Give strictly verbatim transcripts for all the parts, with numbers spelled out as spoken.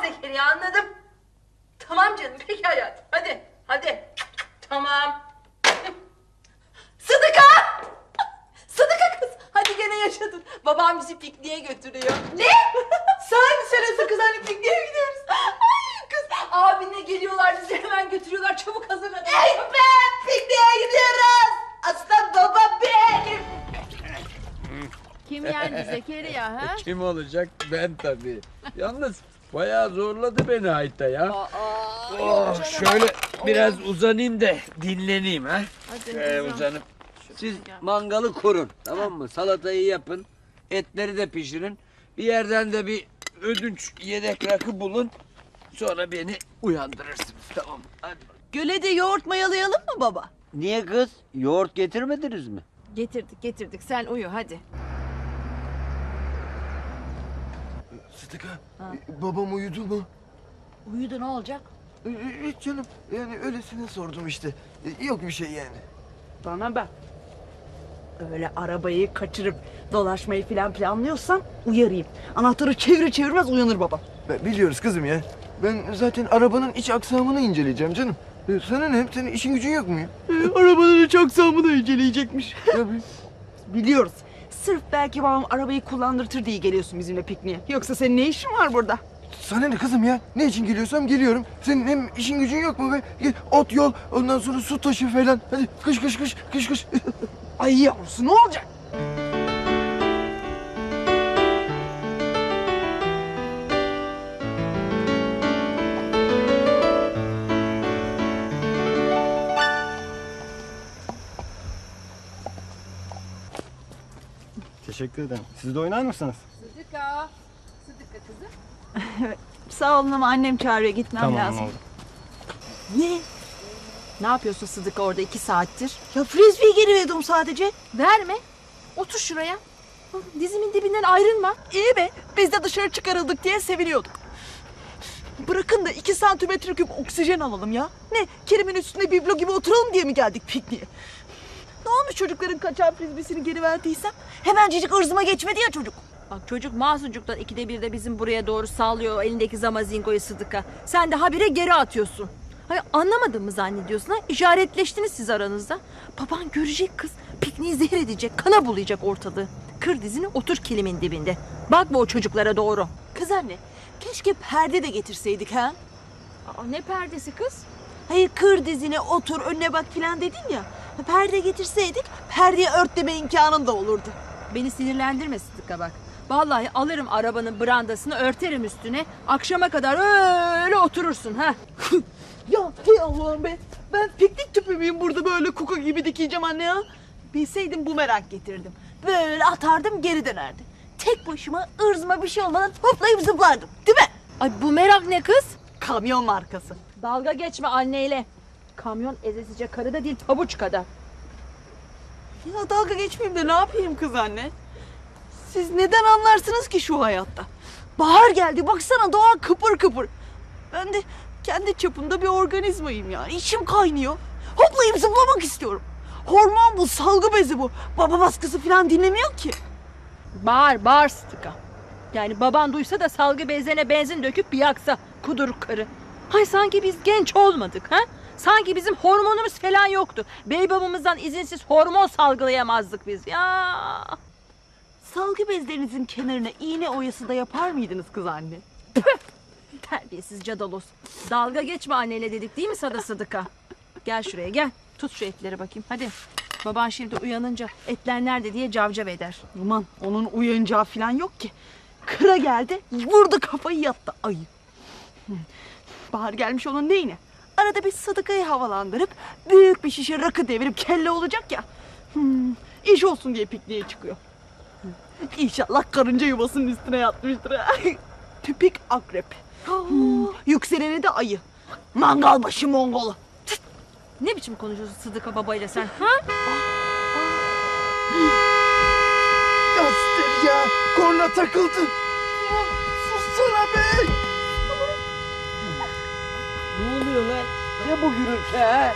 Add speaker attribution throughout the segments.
Speaker 1: Zekeriya, anladım. Tamam canım, peki hayatım. Hadi, hadi. Tamam. Sıdıka! Sıdıka kız, hadi gene yaşadın. Babam bizi pikniğe götürüyor. Ne? Sahi mi söylüyorsun kız, hani pikniğe mi gidiyoruz? Ay kız, abinle geliyorlar, bizi hemen götürüyorlar. Çabuk hazırlan. Ey be, pikniğe gidiyoruz. Aslan baba benim.
Speaker 2: Kim yendi Zekeriya ha?
Speaker 3: Kim olacak? Ben tabii. Yalnız bayağı zorladı beni Hayta ya.
Speaker 2: Aa,
Speaker 3: Oh, şöyle biraz uzanayım da dinleneyim ha.
Speaker 2: Hadi
Speaker 3: Şöyle
Speaker 2: uzan.
Speaker 3: uzanıp. Siz mangalı kurun, tamam mı? Salatayı yapın, etleri de pişirin. Bir yerden de bir ödünç yedek rakı bulun. Sonra beni uyandırırsınız, tamam mı? Hadi.
Speaker 1: Göle de yoğurt mayalayalım mı baba?
Speaker 3: Niye kız? Yoğurt getirmediniz mi?
Speaker 2: Getirdik getirdik, sen uyu hadi.
Speaker 4: Sıdıka, e, babam uyudu mu?
Speaker 2: Uyudu, ne olacak?
Speaker 4: E, e, Hiç canım, yani öylesine sordum işte. E, Yok bir şey yani.
Speaker 5: Bana bak. Öyle arabayı kaçırıp dolaşmayı falan planlıyorsan uyarayım. Anahtarı çevir çevirmez uyanır babam.
Speaker 4: Ben, biliyoruz kızım ya. Ben zaten arabanın iç aksamını inceleyeceğim canım. E, Sana ne? Senin işin gücün yok mu ya?
Speaker 5: arabanın iç aksamını inceleyecekmiş.
Speaker 4: Tabii.
Speaker 5: Biliyoruz. Sırf belki babam arabayı kullandırtır diye geliyorsun bizimle pikniğe. Yoksa senin ne işin var burada?
Speaker 4: Sana ne kızım ya? Ne için geliyorsam geliyorum. Senin hem işin gücün yok mu be? Gel, ot yol, ondan sonra su taşı falan. Hadi kış kış kış kış kış.
Speaker 5: Ay yavrusu ne olacak?
Speaker 6: Teşekkür ederim. Siz de oynar mısınız?
Speaker 2: Sıdıka. Sıdıka kızım.
Speaker 5: Sağ olun ama annem çağırıyor gitmem lazım.
Speaker 6: oldu.
Speaker 5: Ne?
Speaker 2: Ne yapıyorsun Sıdıka orada iki saattir?
Speaker 5: Ya frisbee geri verdim sadece.
Speaker 2: Verme. Otur şuraya. Dizimin dibinden ayrılma.
Speaker 5: İyi be biz de dışarı çıkarıldık diye seviniyorduk. Bırakın da iki santimetre küp oksijen alalım ya. Ne Kerim'in üstünde biblo gibi oturalım diye mi geldik pikniğe? Ne olmuş çocukların kaçan frisbeesini geri verdiysem? Hemencecik ırzıma geçmedi ya çocuk.
Speaker 2: Bak çocuk masucuktan ikide bir de bizim buraya doğru sallıyor o elindeki zamazingoyu Sıdıka. Sen de habire geri atıyorsun. Hayır, anlamadın mı zannediyorsun ha? İşaretleştiniz siz aranızda. Baban görecek kız. Pikniği zehir edecek, kana bulayacak ortalığı. Kır dizini, otur kilimin dibinde. Bakma o çocuklara doğru.
Speaker 5: Kız anne keşke perde de getirseydik ha.
Speaker 2: Aa, ne perdesi kız?
Speaker 5: Hayır kır dizine otur önüne bak filan dedin ya. Perde getirseydik perdeye ört deme imkanın da olurdu.
Speaker 2: Beni sinirlendirme Sıdıka bak. Vallahi alırım arabanın brandasını örterim üstüne. Akşama kadar öyle oturursun ha.
Speaker 5: Ya hey Allah'ım be. Ben piknik tüpü müyüm burada böyle kuka gibi dikeceğim anne ya. Bilseydim bumerang getirdim. Böyle atardım geri dönerdi. Tek başıma ırzıma bir şey olmadan hoplayıp zıplardım. Değil mi?
Speaker 2: Ay bu merak ne kız?
Speaker 5: Kamyon markası.
Speaker 2: Dalga geçme anneyle. Kamyon ezesice karı da değil pabuç kadar.
Speaker 5: Ya dalga geçmeyeyim de ne yapayım kız anne? Siz neden anlarsınız ki şu hayatta? Bahar geldi baksana doğa kıpır kıpır. Ben de kendi çapımda bir organizmayım yani. İçim kaynıyor. Hoplayıp zıplamak istiyorum. Hormon bu, salgı bezi bu. Baba baskısı falan dinlemiyor ki.
Speaker 2: Bağır bağır Sıdıka. Yani baban duysa da salgı bezlerine benzin döküp bir yaksa kuduruk karı. Hay sanki biz genç olmadık ha? Sanki bizim hormonumuz falan yoktu. Bey babamızdan izinsiz hormon salgılayamazdık biz ya.
Speaker 5: Salgı bezlerinizin kenarına iğne oyası da yapar mıydınız kız anne?
Speaker 2: Terbiyesiz cadalos. Dalga geçme anneyle dedik değil mi sana Sıdıka? Gel şuraya gel. Tut şu etleri bakayım hadi. Baban şimdi uyanınca etler nerede diye cavcav eder.
Speaker 5: Aman onun uyanacağı falan yok ki. Kıra geldi, vurdu kafayı yattı ayı. Hı. Bahar gelmiş onun neyine? Arada bir Sıdıka'yı havalandırıp büyük bir şişe rakı devirip kelle olacak ya. Hmm, iş olsun diye pikniğe çıkıyor. Hı. İnşallah karınca yuvasının üstüne yatmıştır. ha. Tipik akrep. Hmm, yükseleni de ayı. Mangal başı Mongolu.
Speaker 2: Ne biçim konuşuyorsun Sıdıka babayla sen ha?
Speaker 4: Göster ya. Korna takıldı. Ulan sussana be.
Speaker 3: Ne oluyor lan? Ne bu gürültü ha?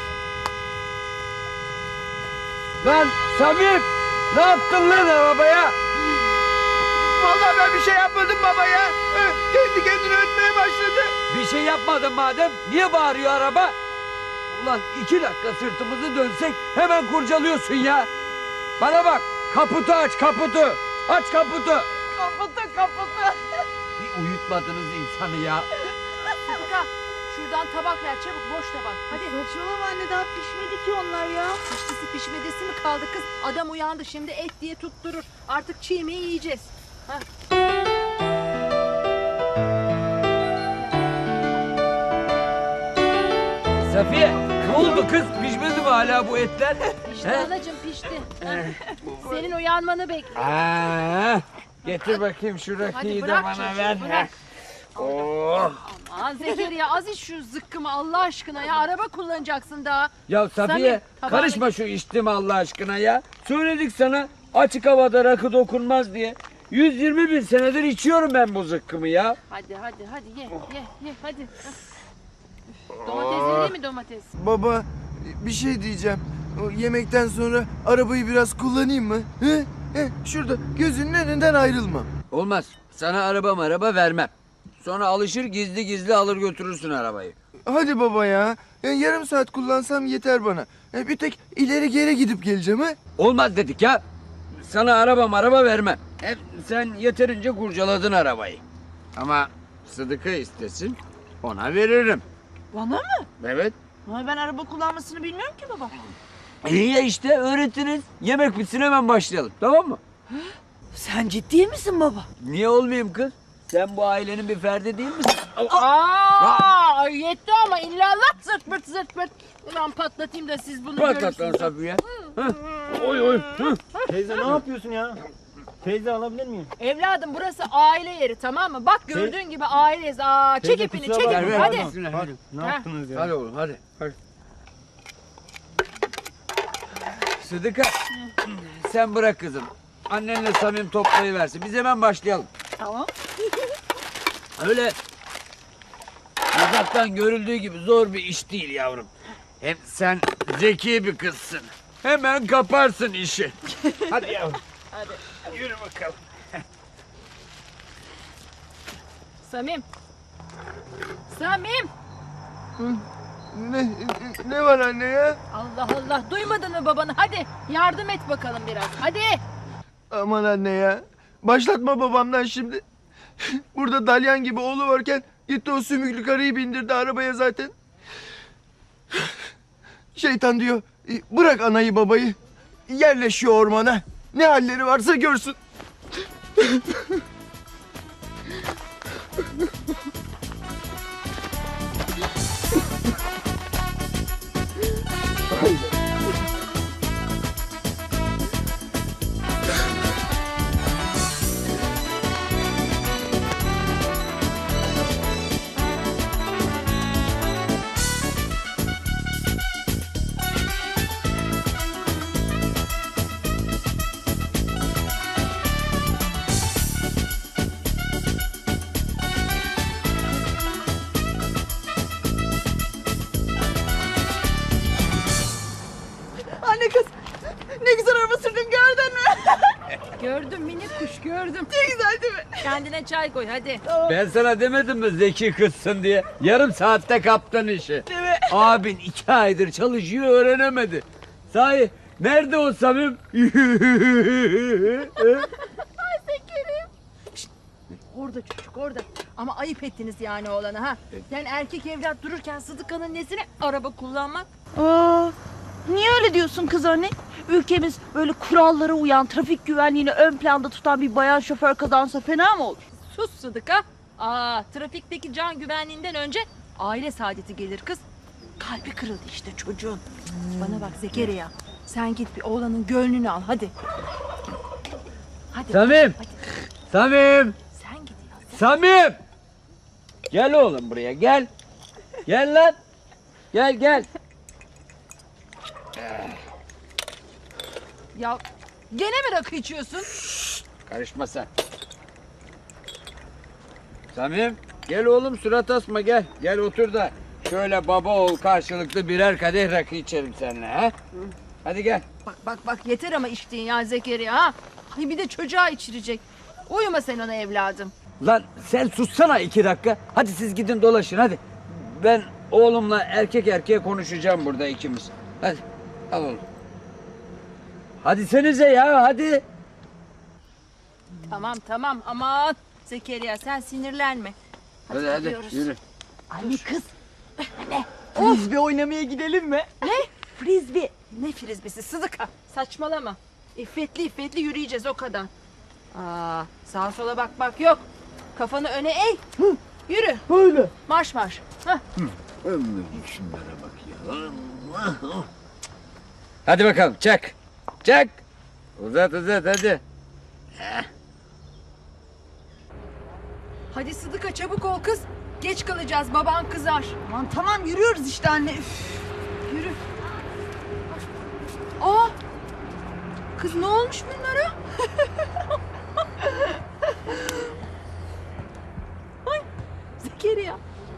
Speaker 3: Lan Samim! Ne yaptın lan arabaya?
Speaker 4: Vallahi ben bir şey yapmadım baba ya. Ee, kendi kendine ötmeye başladı.
Speaker 3: Bir şey yapmadın madem. Niye bağırıyor araba? Ulan iki dakika sırtımızı dönsek hemen kurcalıyorsun ya. Bana bak. Kaputu aç kaputu. Aç kaputu.
Speaker 1: Kaputu kaputu.
Speaker 3: Bir uyutmadınız insanı ya.
Speaker 2: Sıdıka şuradan tabak ver çabuk boş tabak. Hadi.
Speaker 5: Saçmalama anne, daha pişmedi ki onlar ya.
Speaker 2: Piştisi pişmedisi mi kaldı kız? Adam uyandı şimdi et diye tutturur. Artık çiğ mi yiyeceğiz? Hah.
Speaker 3: Safiye ne oldu kız? Pişmedi mi hala bu etler?
Speaker 2: Pişti
Speaker 3: He?
Speaker 2: anacığım pişti. Hah. Senin uyanmanı bekliyorum.
Speaker 3: Aa, getir bakayım şu rakıyı da
Speaker 2: bırak
Speaker 3: bana
Speaker 2: çocuğu,
Speaker 3: ver.
Speaker 2: bırak.
Speaker 3: Oh.
Speaker 2: Aman Zekeriya az iç şu zıkkımı Allah aşkına ya. Araba kullanacaksın daha.
Speaker 3: Ya Safiye
Speaker 2: Samim, tabağını-
Speaker 3: karışma şu içtim Allah aşkına ya. Söyledik sana açık havada rakı dokunmaz diye. yüz yirmi bin senedir içiyorum ben bu zıkkımı ya.
Speaker 2: Hadi hadi hadi ye ye ye hadi. Hah. Üf, Domates yedin mi domates?
Speaker 4: Baba bir şey diyeceğim. O yemekten sonra arabayı biraz kullanayım mı? He? He? Şurada gözünün önünden ayrılmam.
Speaker 3: Olmaz. Sana araba araba vermem. Sonra alışır gizli gizli alır götürürsün arabayı.
Speaker 4: Hadi baba ya. Ya yarım saat kullansam yeter bana. E, bir tek ileri geri gidip geleceğim ha.
Speaker 3: Olmaz dedik ya. Sana araba araba vermem. Hep sen yeterince kurcaladın arabayı. Ama Sıdık'ı istesin ona veririm.
Speaker 5: Bana mı?
Speaker 3: Evet.
Speaker 5: Ama ben araba kullanmasını bilmiyorum ki baba.
Speaker 3: İyi ya işte öğretiniz. Yemek bitsin hemen başlayalım tamam mı?
Speaker 5: Sen ciddi misin baba?
Speaker 3: Niye olmayayım kız? Sen bu ailenin bir ferdi değil misin?
Speaker 2: Aa, yetti ama illallah zırt pırt zırt pırt. Ulan patlatayım da siz bunu
Speaker 3: Patlat lan
Speaker 2: görürsünüz.
Speaker 3: Safiye. Hah. Oy oy. Hah.
Speaker 6: Teyze ne yapıyorsun ya? Teyze alabilir miyim?
Speaker 2: Evladım burası aile yeri tamam mı? Bak gördüğün gibi aileyiz. Aa, çek
Speaker 6: Teyze,
Speaker 2: ipini
Speaker 6: kusura
Speaker 2: çek
Speaker 6: bakma,
Speaker 2: ipini
Speaker 3: ver,
Speaker 2: hadi.
Speaker 3: ver.
Speaker 6: Hadi,
Speaker 3: Hadi.
Speaker 6: ne
Speaker 2: Ha.
Speaker 6: yaptınız ya?
Speaker 3: Hadi oğlum hadi. hadi. Sıdıka sen bırak kızım. Annenle Samim toplayıversin. Biz hemen başlayalım.
Speaker 5: Tamam.
Speaker 3: Öyle uzaktan görüldüğü gibi zor bir iş değil yavrum. Hem sen zeki bir kızsın. Hemen kaparsın işi. Hadi yavrum. Hadi. Yürü bakalım.
Speaker 2: Samim. Samim.
Speaker 4: Ne, ne var anne ya?
Speaker 2: Allah Allah duymadın mı babanı? Hadi yardım et bakalım biraz. Hadi.
Speaker 4: Aman anne ya. Başlatma babamdan şimdi. Burada dalyan gibi oğlu varken gitti o sümüklü karıyı bindirdi arabaya zaten. Şeytan diyor "E, bırak anayı babayı. Yerleşiyor ormana. Ne halleri varsa görsün.
Speaker 5: Anne kız, ne güzel araba sürdün gördün mü?
Speaker 2: Gördüm minik kuş gördüm.
Speaker 5: Ne güzel değil mi?
Speaker 2: Kendine çay koy hadi.
Speaker 3: Ben sana demedim mi zeki kızsın diye? Yarım saatte kaptın işi.
Speaker 5: Değil mi?
Speaker 3: Abin iki aydır çalışıyor öğrenemedi. Sahi nerede o Samim?
Speaker 2: Orada çocuk orada. Ama ayıp ettiniz yani oğlana ha. Yani erkek evlat dururken Sıdıka'nın nesine araba kullanmak?
Speaker 5: Aa, niye öyle diyorsun kız anne? Ülkemiz böyle kurallara uyan, trafik güvenliğini ön planda tutan bir bayan şoför kazansa fena mı olur?
Speaker 2: Sus Sıdıka. Aa, trafikteki can güvenliğinden önce aile saadeti gelir kız. Kalbi kırıldı işte çocuğun. Bana bak Zekeriya. Sen git bir oğlanın gönlünü al hadi. Hadi.
Speaker 3: Samim!
Speaker 2: Hadi.
Speaker 3: Samim!
Speaker 2: Sen git ya.
Speaker 3: Samim! Gel oğlum buraya gel. Gel lan. Gel gel.
Speaker 2: Ya gene mi rakı içiyorsun?
Speaker 3: Karışma sen. Samim gel oğlum surat asma gel. Gel otur da şöyle baba oğul karşılıklı birer kadeh rakı içelim seninle ha. Hadi gel.
Speaker 2: Bak bak bak yeter ama içtiğin ya Zekeriya ha. Ay bir de çocuğa içirecek. Uyuma sen ona evladım.
Speaker 3: Lan sen sussana iki dakika. Hadi siz gidin dolaşın hadi. Ben oğlumla erkek erkeğe konuşacağım burada ikimiz. Hadi al oğlum. Hadi senize ya hadi.
Speaker 2: Tamam tamam aman. Zekeriya sen sinirlenme.
Speaker 3: Hadi hadi,
Speaker 2: gidiyoruz.
Speaker 3: yürü.
Speaker 5: Anne kız. Frisbee oynamaya gidelim mi?
Speaker 2: Ne? Frisbee. Ne frisbisi Sıdıka? Saçmalama. İffetli iffetli yürüyeceğiz o kadar. Aa, sağa sola bak bak yok. Kafanı öne eğ. Yürü.
Speaker 5: Böyle.
Speaker 2: Marş marş. Hah.
Speaker 3: Şunlara bak ya. Hadi bakalım çak. Çak. Uzat uzat hadi.
Speaker 2: Hadi Sıdıka çabuk ol kız. Geç kalacağız baban kızar.
Speaker 5: Aman tamam yürüyoruz işte anne. Üf.
Speaker 2: Yürü. Aa! Kız ne olmuş bunlara? Ay, Zekeriya.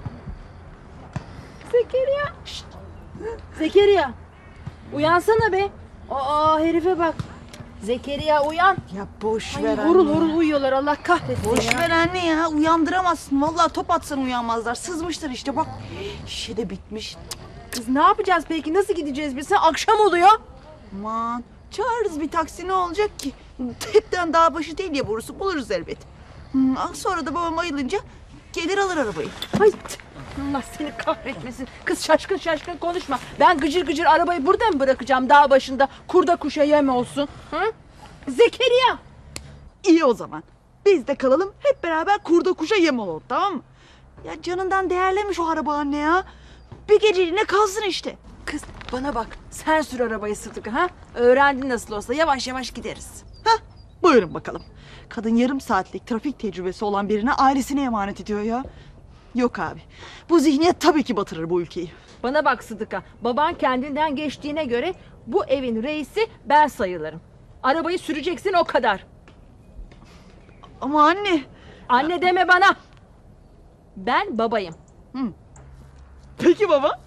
Speaker 2: Zekeriya. Şşt. Zekeriya. Uyansana be. Aa herife bak. Zekeriya uyan.
Speaker 5: Ya boş
Speaker 2: Ay,
Speaker 5: ver
Speaker 2: horul
Speaker 5: anne.
Speaker 2: horul uyuyorlar Allah kahretsin
Speaker 5: Boş
Speaker 2: ya.
Speaker 5: ver anne ya. Uyandıramazsın. Vallahi top atsan uyanmazlar. Sızmışlar işte bak. Şişe de bitmiş.
Speaker 2: Kız ne yapacağız peki? Nasıl gideceğiz biz? Akşam oluyor.
Speaker 5: Aman çağırırız bir taksi ne olacak ki? Hepten dağ başı değil ya burası. Buluruz elbet. Hmm, sonra da babam ayılınca gelir alır arabayı.
Speaker 2: Ay t- Allah seni kahretmesin. Kız şaşkın şaşkın konuşma. Ben gıcır gıcır arabayı burada mı bırakacağım dağ başında? Kurda kuşa yem olsun. Hı? Zekeriya.
Speaker 5: İyi o zaman. Biz de kalalım hep beraber kurda kuşa yem olalım tamam mı? Ya canından değerlemiş o araba anne ya. Bir geceliğine kalsın işte.
Speaker 2: Kız bana bak. Sen sür arabayı Sıdıka ha? Öğrendin nasıl olsa yavaş yavaş gideriz.
Speaker 5: Hah buyurun bakalım. Kadın yarım saatlik trafik tecrübesi olan birine ailesine emanet ediyor ya. Yok abi. Bu zihniyet tabii ki batırır bu ülkeyi.
Speaker 2: Bana bak Sıdıka. Baban kendinden geçtiğine göre bu evin reisi ben sayılırım. Arabayı süreceksin o kadar.
Speaker 5: Ama anne.
Speaker 2: Anne deme bana. Ben babayım.
Speaker 5: Peki baba.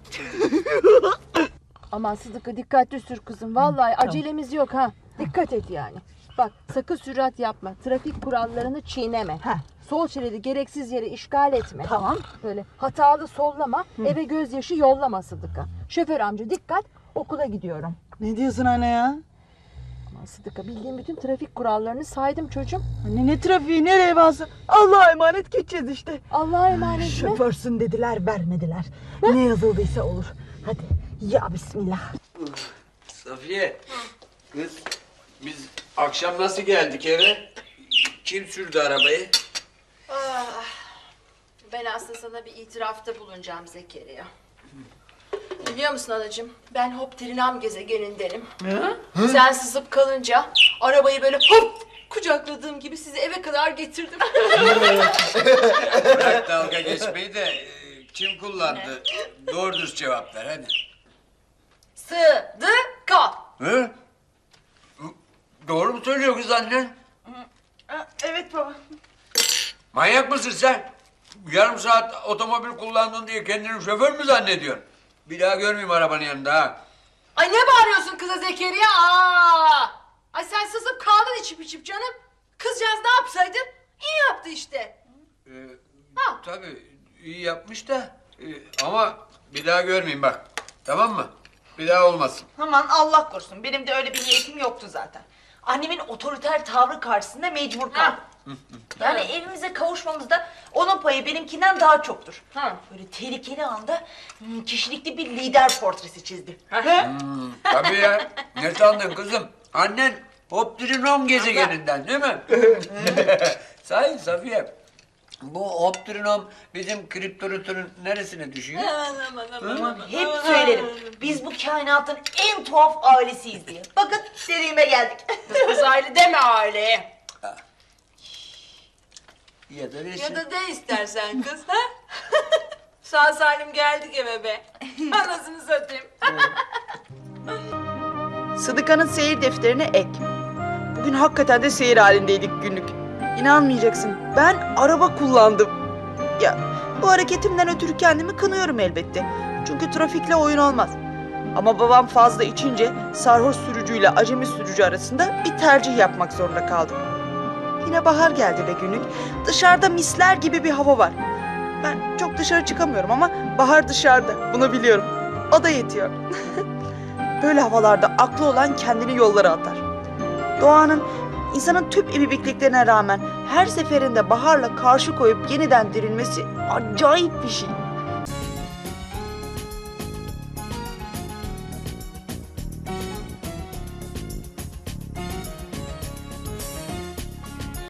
Speaker 2: Aman Sıdıka dikkatli sür kızım. Vallahi acelemiz yok ha. Dikkat et yani. Bak sakın sürat yapma. Trafik kurallarını çiğneme.
Speaker 5: Heh.
Speaker 2: Sol şeridi gereksiz yere işgal etme.
Speaker 5: Tamam.
Speaker 2: Böyle hatalı sollama, eve gözyaşı yollama Sıdıka. Şoför amca dikkat, okula gidiyorum.
Speaker 5: Ne diyorsun anne ya?
Speaker 2: Aman Sıdıka bildiğim bütün trafik kurallarını saydım çocuğum.
Speaker 5: Anne ne trafiği ne revası. Allah'a emanet gideceğiz işte.
Speaker 2: Allah'a emanet mi?
Speaker 5: Şoförsün dediler vermediler. Ne yazıldıysa olur. Hadi ya bismillah.
Speaker 3: Safiye. Kız biz akşam nasıl geldik eve? Kim sürdü arabayı?
Speaker 2: Ben aslında sana bir itirafta bulunacağım Zekeriya. Biliyor musun anacığım? Ben Hopterinam gezegenindenim. Sen sızıp kalınca arabayı böyle hop kucakladığım gibi sizi eve kadar getirdim.
Speaker 3: Bırak dalga geçmeyi de e, kim kullandı? Doğru dürüst cevap ver hadi.
Speaker 2: Sıdıka.
Speaker 3: Hı? Doğru mu söylüyor kız annen?
Speaker 5: Evet baba.
Speaker 3: Manyak mısın sen? Yarım saat otomobil kullandın diye kendini şoför mü zannediyorsun? Bir daha görmeyeyim arabanın yanında ha.
Speaker 1: Ay ne bağırıyorsun kıza Zekeriya? Aa! Ay sen sızıp kaldın içip içip canım. Kızcağız ne yapsaydı? İyi yaptı işte.
Speaker 3: Ee,
Speaker 1: Ha.
Speaker 3: tabii iyi yapmış da e, ama bir daha görmeyeyim bak. Tamam mı? Bir daha olmasın.
Speaker 7: Aman Allah korusun. Benim de öyle bir niyetim yoktu zaten. Annemin otoriter tavrı karşısında mecbur kaldım. Yani evimize kavuşmamızda onun payı benimkinden daha çoktur.
Speaker 1: Ha.
Speaker 7: Böyle tehlikeli anda hmm, kişilikli bir lider portresi çizdi.
Speaker 3: Hmm, tabii ya. Ne sandın kızım? Annen Hoptrinom gezegeninden değil mi? Sahi Safiye. Bu Hoptrinom bizim kriptoritörün neresine düşüyor?
Speaker 7: Hep söylerim. Biz bu kainatın en tuhaf ailesiyiz diye. Bakın dediğime geldik.
Speaker 1: Uzaylı deme aileye.
Speaker 3: Ya da resim.
Speaker 1: Ya da de istersen kız ha? Sağ salim geldik eve be. Anasını satayım.
Speaker 5: Sıdıka'nın seyir defterine ek. Bugün hakikaten de seyir halindeydik günlük. İnanmayacaksın. Ben araba kullandım. Ya bu hareketimden ötürü kendimi kınıyorum elbette. Çünkü trafikle oyun olmaz. Ama babam fazla içince sarhoş sürücüyle acemi sürücü arasında bir tercih yapmak zorunda kaldım. Yine bahar geldi be günlük. Dışarıda misler gibi bir hava var. Ben çok dışarı çıkamıyorum ama bahar dışarıda. Bunu biliyorum. O da yetiyor. Böyle havalarda aklı olan kendini yollara atar. Doğanın, insanın tüm ibibikliklerine rağmen her seferinde baharla karşı koyup yeniden dirilmesi acayip bir şey.